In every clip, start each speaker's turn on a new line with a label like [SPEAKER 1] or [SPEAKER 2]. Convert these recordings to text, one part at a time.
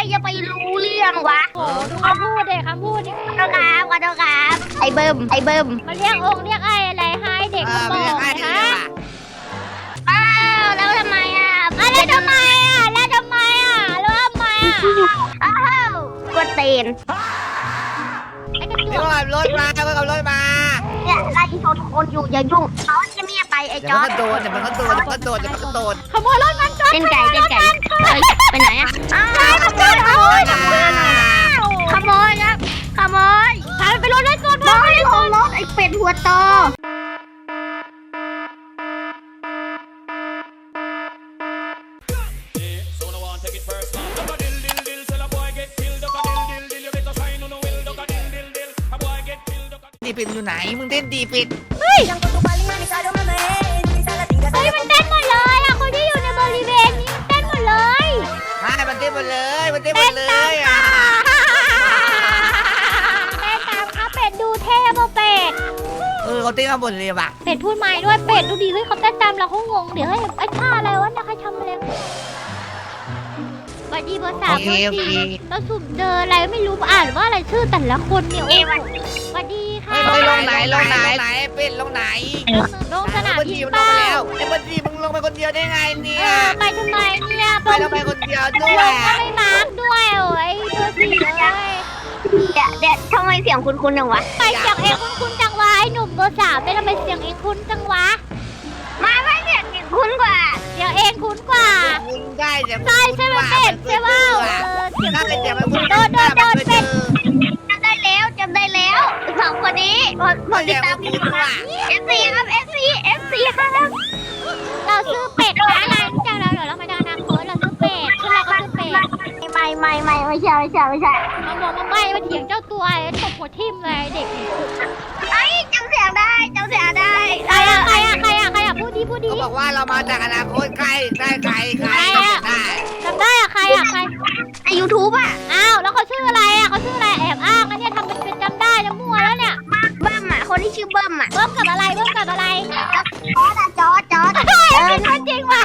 [SPEAKER 1] จะไปรู้เรื่องวะ
[SPEAKER 2] โอ้ดูคำพูดเด็กคำพูดดิ
[SPEAKER 1] ขอโทษครับขอโทษครับไอ้เบิ้ม
[SPEAKER 2] มาเรียกองค์เรียกไอ้อะไรให้เด็กมาบอกนะฮะ
[SPEAKER 1] อ้าวแล้วทำไมอ่ะ
[SPEAKER 2] แล้วทำไมแล้วทำไม
[SPEAKER 1] อ้าวกดเตน
[SPEAKER 2] ไอ้กระจ
[SPEAKER 3] เดี๋ยว
[SPEAKER 2] ก
[SPEAKER 3] ขับรถมาเดี๋ยวขับรถมา
[SPEAKER 1] เนี่ยไล่ชนคนอยู่อย่ายุ่งเขาจะเมียไปไอ้
[SPEAKER 3] เดี๋ย
[SPEAKER 1] จ
[SPEAKER 3] ว
[SPEAKER 1] อ
[SPEAKER 3] มัน
[SPEAKER 1] ร์
[SPEAKER 3] ก็โดนเดี๋ยวมันก็โดน
[SPEAKER 2] ขโมยรถมันจอด
[SPEAKER 1] เต้นไก่ไปไหนอ่ะอ้าวขโมยครับขโมย
[SPEAKER 2] พาไปรถเล่นก่อน
[SPEAKER 1] บอยลงรถไอ้เป็ดหัวโต
[SPEAKER 3] ดีปิดอยู่ไหนมึงเต้นดีปิด
[SPEAKER 2] เฮ้ยมันเต้นหมดเลยอ่ะคนที่อยู่ในบริเวณนี้มันเต้นหมดเลย
[SPEAKER 3] ใช่มันเต้นหมดเลยอ่ะ
[SPEAKER 2] เต้นตามค่ะเป็ดดูเท่ป่ะเป็ด
[SPEAKER 3] เขาเต้นข้างบนเลยว่ะ
[SPEAKER 2] เป็ดพูดใหม่ด้วยเป็ดดูดีเฮ้ยเขาเต้นตามเราเขางงเดี๋ยวเฮ้ยไอ้ท่าอะไรวะเนี่ยใครทำอะไรสวัสดีเบอร์ 3
[SPEAKER 3] โอเค
[SPEAKER 2] เราสุ่มเจออะไรไม่รู้อ่านว่าอะไรชื่อแต่ละคนเนี่ยโอ้สวัสดีค่ะ
[SPEAKER 3] เฮ้ยลงไหนเป็ดลงไหน
[SPEAKER 2] ลงสนาม
[SPEAKER 3] เบอร์
[SPEAKER 2] ยิ
[SPEAKER 3] สี่
[SPEAKER 2] ง
[SPEAKER 3] มันล
[SPEAKER 2] เป้าง
[SPEAKER 3] ไปแล้วไอ้เบอร์สี่มึงลงไปคนเดียวได้ไงเนี่ย
[SPEAKER 2] ไปทำไมเนี่ย
[SPEAKER 3] ไปทำไมคนเดียวด้
[SPEAKER 2] ไม่
[SPEAKER 3] ว
[SPEAKER 2] ล
[SPEAKER 3] ย
[SPEAKER 2] งก็ไม่มาร์กด้วยโอ้ยเบอร์ 4เลย
[SPEAKER 1] เด็ดทำไมเสียงคุ้นๆจังวะ
[SPEAKER 2] ไปเสียงเองคุ้นจังวะไอ้หนุ่มเบอร์ 3เป็นทำไมเสียงเองคุ้นจังวะ
[SPEAKER 1] ไม่เสียงคุ้นกว่า
[SPEAKER 2] เสียงเองคุ้นกว่า
[SPEAKER 3] คุณได้เดี๋ยว
[SPEAKER 2] ใช่ใช่ไหมเป็ดใช่ป่าวเสียง
[SPEAKER 3] ถ้าเป็นเดี๋ยวมัน
[SPEAKER 2] โดนเป็ด
[SPEAKER 1] จำได้แล้วสองคนนี้ผมติดตามอยู่ค่ะ FC ครับ FC ครับ
[SPEAKER 2] เราซื้อเป็ดนะนายรู้จักเราเดี๋ยวเรามาดานาโค้ดเราซื้อเป็ดชื่อเราก็ซื้อเป็ด
[SPEAKER 1] ไม่ใช่
[SPEAKER 2] มาบอกมาใบมาเถียงเจ้าตัวไอ้ตบหัวทิ่มเลยเด็ก
[SPEAKER 1] ไอ้จำเสียงได้
[SPEAKER 2] ใครอะพูดดี
[SPEAKER 3] เขาบอกว่าเรามาจากอนาคตใกล้ได้
[SPEAKER 2] จำได้อะใครอะใคร
[SPEAKER 1] ใน YouTube อ่ะ
[SPEAKER 2] อ้าวแล้วเขาชื่ออะไรอะเขาชื่ออะไรแอบอ้างนะเนี่ยทำเป็นจำได้แล้วมั่วแล้วเนี่ย
[SPEAKER 1] เบิ้มอ่ะคนที่ชื่อเบิ้มอ่ะ
[SPEAKER 2] เบิ้มกับอะไร
[SPEAKER 1] จอร์จ
[SPEAKER 2] เป็นคนจริงว่ะ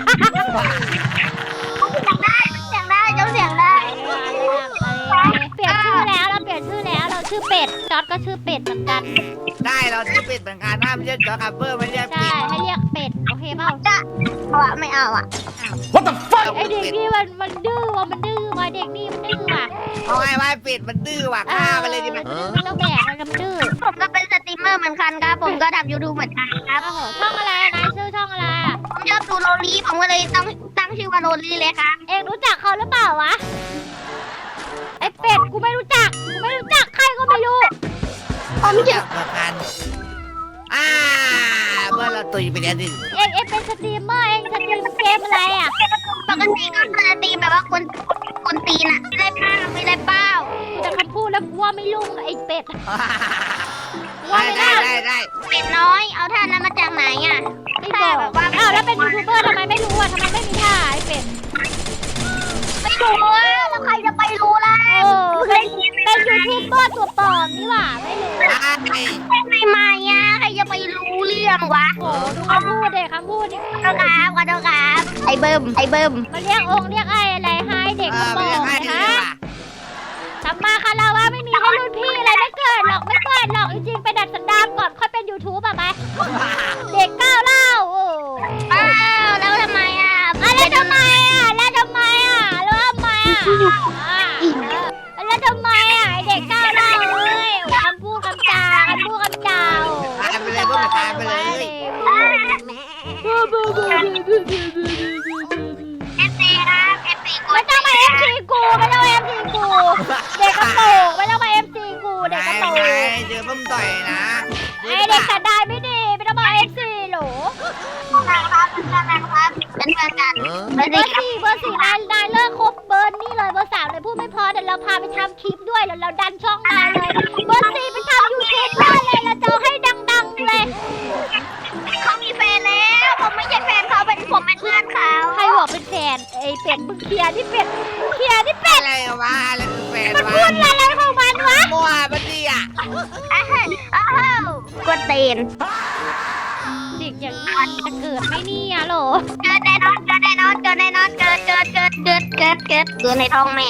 [SPEAKER 1] เสียงได้จำเสียงได้
[SPEAKER 2] เปลี่ยนชื่อแล้วเราชื่อเป็ดจอร์ดก็ชื่อเป็ดเหมือนกัน
[SPEAKER 3] ได้เราจะปิดเหมือนกันห้ามเรียกจอคัพเปอร์ไม่เรียก
[SPEAKER 2] ใช่
[SPEAKER 3] ปิด
[SPEAKER 2] ให้เรียกเป็ดโอเคเปล่า
[SPEAKER 1] ไม่เอาอ่ะ
[SPEAKER 2] ไอเด็กนี่มันดื้อว่ะมันดื้อว่ะเด็กนี่มันดื้อว่ะ
[SPEAKER 3] เอาไงว่าปิดมันดื้อว่ะฆ่ามันเลยดีไหม
[SPEAKER 2] มันต้องแบกมันดื้อ
[SPEAKER 1] ผมก็เป็นสตรีมเมอร์เหมือนกันครับผมก็ทำ YouTube เหมือนกันครับ
[SPEAKER 2] โอ้โหช่องอะไรนายชื่อช่องอะไรอ่ะ
[SPEAKER 1] ผมชอบดูโรลี่ผมก็เลยตั้งชื่อว่าโรลี่เลยครับ
[SPEAKER 2] เองรู้จักเขาหรือเปล่าวะไอเป็ดกูไม่รู้จักใครก็ไม่รู้
[SPEAKER 1] ผมจะ
[SPEAKER 3] เหมือนกันเมื่อเราตุยไปแล้วดิ
[SPEAKER 2] เองเป็นสตรีมเมอร์เองสตรีมเกมอะไรอ่ะ
[SPEAKER 1] ปกติก็สตรีมแบบว่าคนตีนอะไม่ได้เป้า
[SPEAKER 2] แต่คำพูดแล้วกูว่าไม่ลุ่งไอเป็ด
[SPEAKER 3] ได้
[SPEAKER 1] เป็ดน้อยเอาท่านั้นมาจากไหนอะ
[SPEAKER 2] ไม่บอกอ้าวแล้วเป็นยูทูบเบอร์ทำไมไม่รู้อ่ะทำไมไม่มีท่าไอเป็ด
[SPEAKER 1] ไม่รู้อะแล้วใครจะไปรู้ล่ะ
[SPEAKER 2] โอ้เป็นยูทูบเบอร์ตัวปลอมนี่หว่าไม่รู้
[SPEAKER 1] ใหม่อะใครจะไปรู้เรื่องวะ
[SPEAKER 2] โอ้ดูคำพูดเด็กคำพูดดิ
[SPEAKER 1] ขอโทษครับไอ้เบิ้ม
[SPEAKER 2] มาเรียกองค์เรียกไอ้อะไรให้เด็กมาบอกนะทำมาคาราวะไม่มีให้รุ่นพี่อะไรไม่เกิดหรอกจริงๆไปดัดสันดานก่อนค่อยเป็นยูทูบอ่ะไปเด็กก้าวเล่าโอ้
[SPEAKER 1] อ้าวแล้วทำไมอะ
[SPEAKER 2] แล้วทำไมแล้วทำไมไอเด็กก้าวเล่าเลยคำพูดคำจา
[SPEAKER 3] ตายไปเลยพวกมันตายไปเลย
[SPEAKER 1] FC ครับ FC
[SPEAKER 2] ไม่ต้องมาเอฟซีกูเด็กกระโปรงไม่ต้องมาเอฟซีกูเด็กกระโปรง
[SPEAKER 3] เจอพุ่มต่อยนะ
[SPEAKER 2] ไอเด็กสันดานไม่ดีไม่ต้องมาเอฟซีหรอ
[SPEAKER 1] เป็นเพื่อนกัน
[SPEAKER 2] เบอร์สี่นายเลิกคบเบอร์นี่เลยเบอร์ 3เลยพูดไม่พอเดี๋ยวเราพาไปทำคลิปด้วยแล้วเราดันช่องนายเลยเบอร์ 4ไปทำยูทูบได้เลยเราจะให้ดังๆเลย
[SPEAKER 1] เขามีแฟนแล้วผมไม่ใช่แฟนเขาผมเป็นเพื่อนเขา
[SPEAKER 2] ใครบอกเป็นแฟนไอเป็ดมึงเคลียร์ที่เป็ด
[SPEAKER 3] อะไรวะอะไรคือแฟน
[SPEAKER 2] มัน
[SPEAKER 3] วะ
[SPEAKER 2] พูดอะไรของมันวะ
[SPEAKER 3] มั่วปะเนี่ย
[SPEAKER 1] อ้าวกดเตน
[SPEAKER 2] เด็กอย่างนี้จะเกิดไหมเนี่ยโหล
[SPEAKER 1] เกิดแน่นอนเกิดแน่นอนเกิดแน่นอนเกิดในท้องแม่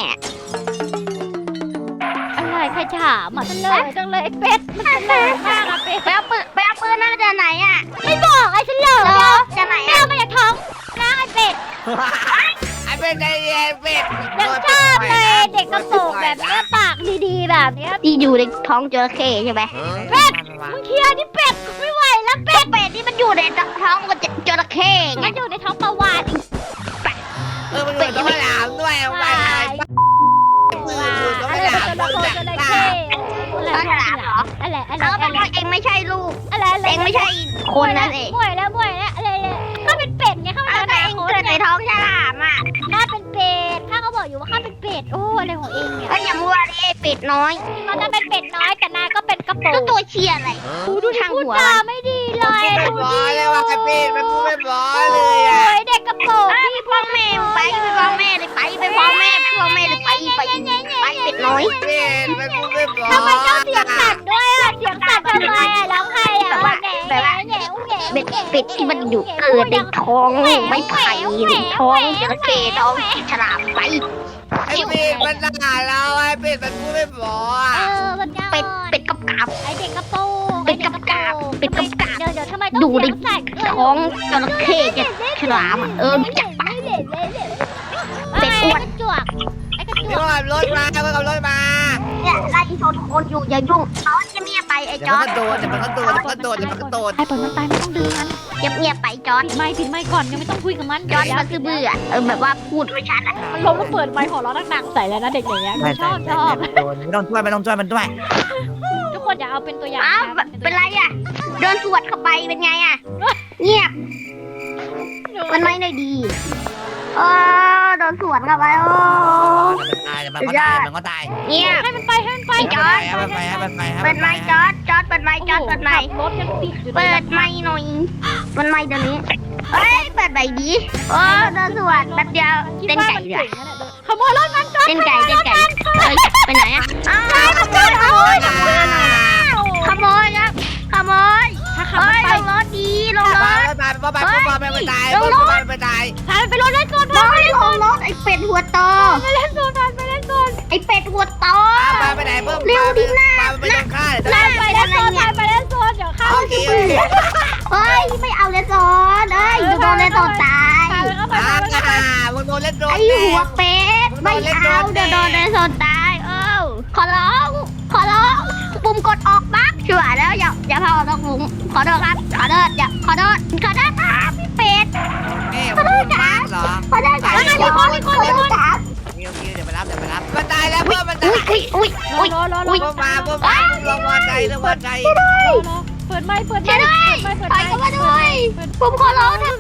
[SPEAKER 2] อะไรใครถามอ่ะจังเลยไอ้เป็ดมันจังเลยมากอะเป็ด
[SPEAKER 1] ไปเอาปืนนั่นจะไหนอ่ะ
[SPEAKER 2] ไม่บอกไอ้ฉันเลย
[SPEAKER 1] จะไหน
[SPEAKER 2] แม่
[SPEAKER 1] อ่ะ
[SPEAKER 2] มาจากท้องนะไอ้เป็ด
[SPEAKER 3] ไอ้เป็ดไอ้เป็ด
[SPEAKER 2] ยังชอบเลยเด็กกระโปรงแบบเนี้ยปากดีๆแบบเนี้ย
[SPEAKER 1] ที่อยู่ในท้องจระเข้ใช่ไหม
[SPEAKER 2] มึงเคลียร์ที่เป็ดไม่ไหวแล้วเป็ด
[SPEAKER 1] เป็ดที่มันอยู่ในท้องจระเข้ไง
[SPEAKER 2] มันอยู่ในท้องปลาวาน
[SPEAKER 3] มันอยู่ต้องไปหลามด้วยไปไหนมืออยู่ต้อง
[SPEAKER 2] อะ
[SPEAKER 3] ไป
[SPEAKER 2] ไร
[SPEAKER 3] หลาม
[SPEAKER 2] เป็น
[SPEAKER 3] ต้
[SPEAKER 2] ตั
[SPEAKER 3] อ
[SPEAKER 2] ว
[SPEAKER 3] ง
[SPEAKER 2] จ
[SPEAKER 3] จั
[SPEAKER 2] ระ
[SPEAKER 3] บ
[SPEAKER 2] เข้อะไร
[SPEAKER 1] แล้วแปลว่าเองไม่ใช่ลูก
[SPEAKER 2] อะไร
[SPEAKER 1] เองไม่ใช่คนนั่นเอง
[SPEAKER 2] ป่วยแล้วอะไรข้าเป็นเป็ดไงข้า
[SPEAKER 1] แล้ว
[SPEAKER 2] เป็น
[SPEAKER 1] เองเกิดในท้องฉลามอ่ะ
[SPEAKER 2] ข้าเป็นเป็ดข้าก็บอกอยู่ว่าข้าเป็นเป็ดโอ้อะไรของเองเนี่ย
[SPEAKER 1] ก็อย่ามัวดิเป็ดน้อย
[SPEAKER 2] มันจะเป็นเป็ดน้อยแต่นายก็เป็นกระโปร
[SPEAKER 1] แล้ว
[SPEAKER 2] ง
[SPEAKER 1] ตัวเชียอะไร
[SPEAKER 2] ดูพูดจาไม่ดีเลย
[SPEAKER 3] ไม่
[SPEAKER 2] ดู
[SPEAKER 3] บอ
[SPEAKER 2] ดิ
[SPEAKER 3] เลยว่าไอ้เป็ดมันพูดไม่บอ
[SPEAKER 2] โอ้
[SPEAKER 3] เลยอ่ะ
[SPEAKER 2] ยเด็กกระโปรง
[SPEAKER 1] พี่พ่อแม่ไปพ่อแม่เลยไปพ่อแม่เลยไปเป็ดน้อย
[SPEAKER 3] เป็ดมันพูดไม่บอ
[SPEAKER 2] ทำไมต้องเสียงสั่นด้วยอ่ะเสียงสั่นทำไมอ่ะร้องไห้อ่ะ
[SPEAKER 1] เป็ดที่มันอยู่เกิดในท้องไม่ไผ่ในท้องจระเข้ท้องฉลามไป
[SPEAKER 3] ไอ้เป็ดมันด่าเราไอ้เป็ดมันพูดไม่บอ
[SPEAKER 2] มันยาว
[SPEAKER 1] เป็ดกับกาบ
[SPEAKER 2] ไอเด็กกระโปรง
[SPEAKER 1] เป็ดกับกาบ
[SPEAKER 2] เดี๋ยวทำไมต้อง
[SPEAKER 1] อยู่ใน
[SPEAKER 2] เสียงสั่น
[SPEAKER 1] ท้องจระเข้จะฉลามจับปะ เป็ดอ้วน
[SPEAKER 2] จวกไอ้กระจ
[SPEAKER 3] นี่
[SPEAKER 2] วก
[SPEAKER 3] ขับรถมาก็ขับรถมา
[SPEAKER 1] เนี่ยไล่ชนคนอยู่อย่ายุ่งเขาจะเงียบไปไอ้
[SPEAKER 3] เดี๋
[SPEAKER 1] จ
[SPEAKER 3] ยว
[SPEAKER 1] อ
[SPEAKER 3] มั
[SPEAKER 1] ร์
[SPEAKER 3] น
[SPEAKER 1] ด
[SPEAKER 3] ก็โดนเดี๋ยวมันก็โดนเดี๋ยวมันก็โดนเดี๋ยวมันก็โดน
[SPEAKER 2] ไอ้ปล่อยมันตายไม่ต้องดึงมัน
[SPEAKER 1] เงียบไปจอร์ด
[SPEAKER 2] ปิดไมค์ก่อนยังไม่ต้องคุยกับมัน
[SPEAKER 1] จอร์ดมันคือเบื่อแบบว่าพูดไม่ชัดอ่ะ
[SPEAKER 2] มันล้มแล้วเปิดไมค์หัวเราะดังๆใส่แล้วนะเด็กอย่างเงี้ยชอบ
[SPEAKER 3] โดนไม่ต้องช่วยมันด้วย
[SPEAKER 2] ทุกคนอย่าเอาเป็นตัวอย่าง
[SPEAKER 1] อ้าวเป็นไรอ่ะโดนสวดเข้าไปเป็นไงอ่ะเงียบมันไม่ได้ดีโดนสวนเข้าไปโอ้
[SPEAKER 3] มันก็ตายมันก็ตาย
[SPEAKER 1] เงียบ
[SPEAKER 2] ให้มันไป
[SPEAKER 1] จอร์ด
[SPEAKER 3] มันไป
[SPEAKER 1] เปิดไมค์จอร์ดเปิดไมค์จอร์ดเปิดไมค์
[SPEAKER 2] รถยังติดอยู่
[SPEAKER 1] เปิดไมค์หน่อยมันไมค์เดี๋ยวนี้เฮ้ยเปิดไมค์ดีโอ้โดนสวนแป๊บเดียวเต้นไก่เลย
[SPEAKER 2] ขโมยรถมันจอด
[SPEAKER 1] เต้นไก่เฮ้ยไปไหนอ่ะขโมยครับขโมย
[SPEAKER 2] ถ้าขับ
[SPEAKER 1] เฮ้ย
[SPEAKER 2] ไป
[SPEAKER 1] ลงรถดีลงรถ
[SPEAKER 3] ไปตาย
[SPEAKER 2] พาไปรถเล่นโซน
[SPEAKER 1] บอยลงรถไอ้เป็ดหัวโต
[SPEAKER 2] ไปเล่นโซน
[SPEAKER 1] ไอ้เป็ดหัวโต
[SPEAKER 3] ไปไหนเพิ่มไปโดนฆ่า
[SPEAKER 2] ไปเล่นโซนเดี๋ยวข้า
[SPEAKER 3] โอเค
[SPEAKER 1] เฮ้ยไม่เอาเลยโซนเอ้ยโดนเลยโซนตาย
[SPEAKER 3] มึงโดนเล่นโดน
[SPEAKER 1] ไอ้หัวเป็ดไม่เอาเดี๋ยวโดนเลยโซนตายขอร้องปุ่มกดออกบั๊กชัวร์แล้วอย่าพาออกปุ่มขอโทษครับขอโทษครับพี่เป็ด
[SPEAKER 3] ขอโทษจ้าเหรอ
[SPEAKER 1] ขอโทษครับขอโทษครับ
[SPEAKER 3] โอเคเดี๋ยวไปรับมันตายแล้วเพิ่มมันตาย
[SPEAKER 1] อุ้ย
[SPEAKER 3] เพิ่มมาลงวางใจเรื่องวางใจ
[SPEAKER 2] เปิดไมค์
[SPEAKER 1] ช่วยด้วยถอยเข้ามาด้วยผมขอร้องนะ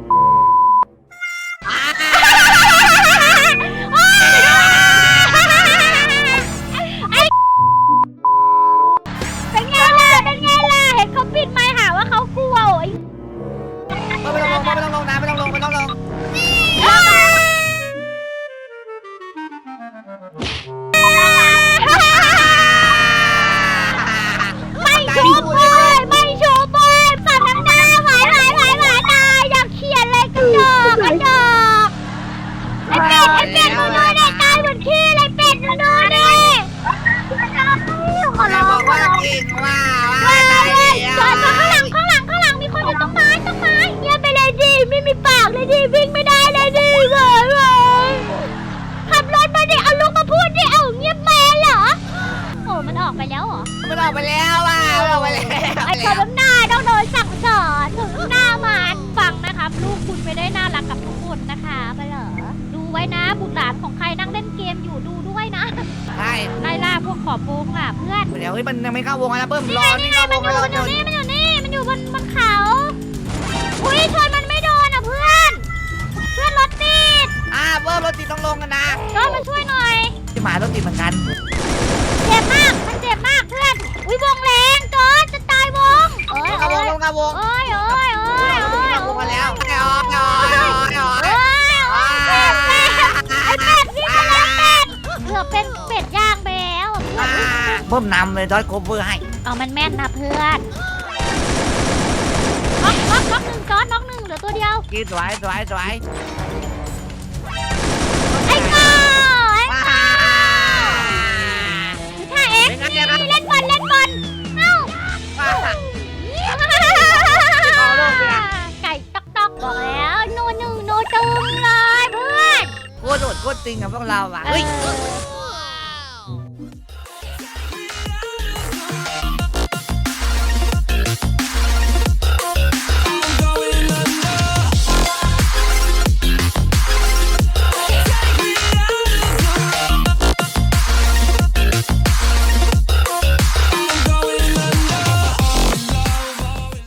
[SPEAKER 2] เป็นไงล่ะเห็นเขาปิดไมค์หาว่าเขากลัวโอ้ย
[SPEAKER 3] ไม่ต้องลงนะไม่ต้องลง
[SPEAKER 2] ไม่ชูบอยสัตว์น้ำหน้าหวายนายอยากเขียนเลยกระจอกไอ้เป็ดมึงดูดิตายเหมือนขี้เลยเป็ดมึงดูดิ
[SPEAKER 1] ขอร้อง
[SPEAKER 3] บอกว่าเก่งว่าตาย
[SPEAKER 2] จอดข้างหลังมีคนอยู่ต้นไม้เงียบไปเลยดิไม่มีปากเลยดิวิ่งไม่ได้เลยดิเว้ยขับรถมาดิเอาลูกมาพูดดิเอาเงียบแม่เหรอโอ้มันออกไปแล้วเหรอ
[SPEAKER 3] มันออกไปแล้ว
[SPEAKER 2] ไอ้คนน้ำหน้าต้องโดนสั่งสอนถึงหน้ามันฟังนะครับลูกคุณไม่ได้น่ารักกับทุกคนนะคะไปเหรอดูไว้นะบุตรหลานของใครนั่งเล่นเกมอยู่ดูด้วยนะ
[SPEAKER 3] ใช่
[SPEAKER 2] ไล่ล่าพวกขอบวงอ่ะเพื่อน
[SPEAKER 3] เดี๋ยวมันยังไม่เข้าวงนะเพิ่มรอนี่เข้าวง
[SPEAKER 2] มันอยู่บนเขาอุ้ยชนมันไม่โดนอ่ะเพื่อนรถติด
[SPEAKER 3] เพิ่มรถติดต้องลงกันนะ
[SPEAKER 2] ก็มาช่วยหน่อย
[SPEAKER 3] ที่หมารถติดเหมือนกัน
[SPEAKER 2] เจ็บมากมันเจ็บมากเพื่อนอุ้ยวงแรงจอจะตายวง
[SPEAKER 3] เข้าวงลงเข้าวง
[SPEAKER 2] โอ้ย
[SPEAKER 3] ลงมาแล้วไอ้อ๋อ
[SPEAKER 2] ไอ้เป็ดวิ่งมาแล้วเป็ดเกือบเป็นเป็ดย่างไปแล้ว
[SPEAKER 3] เพิ่มนำเลยดอยโคเวอร์ให้
[SPEAKER 2] เอามันแม่นนะเพื่อน
[SPEAKER 3] เ
[SPEAKER 2] น็อกหนึ่งจอร์ดน็อกหนึ่งเหลือตัวเดียว
[SPEAKER 3] กินสวยสวยสวย
[SPEAKER 2] ไอ้ก้าไอ้
[SPEAKER 3] ว้า
[SPEAKER 2] ถ้าเอ็ก
[SPEAKER 3] เป็นไงเนี่ยครับ
[SPEAKER 2] เล่นบอลเอ้า
[SPEAKER 3] ว้า
[SPEAKER 2] ไก่ต๊อกบอกแล้วโนตึงเลยเพื่อน
[SPEAKER 3] โคตรโหดโคตรตึงกับพวกเราอ่ะเฮ้ย
[SPEAKER 2] เ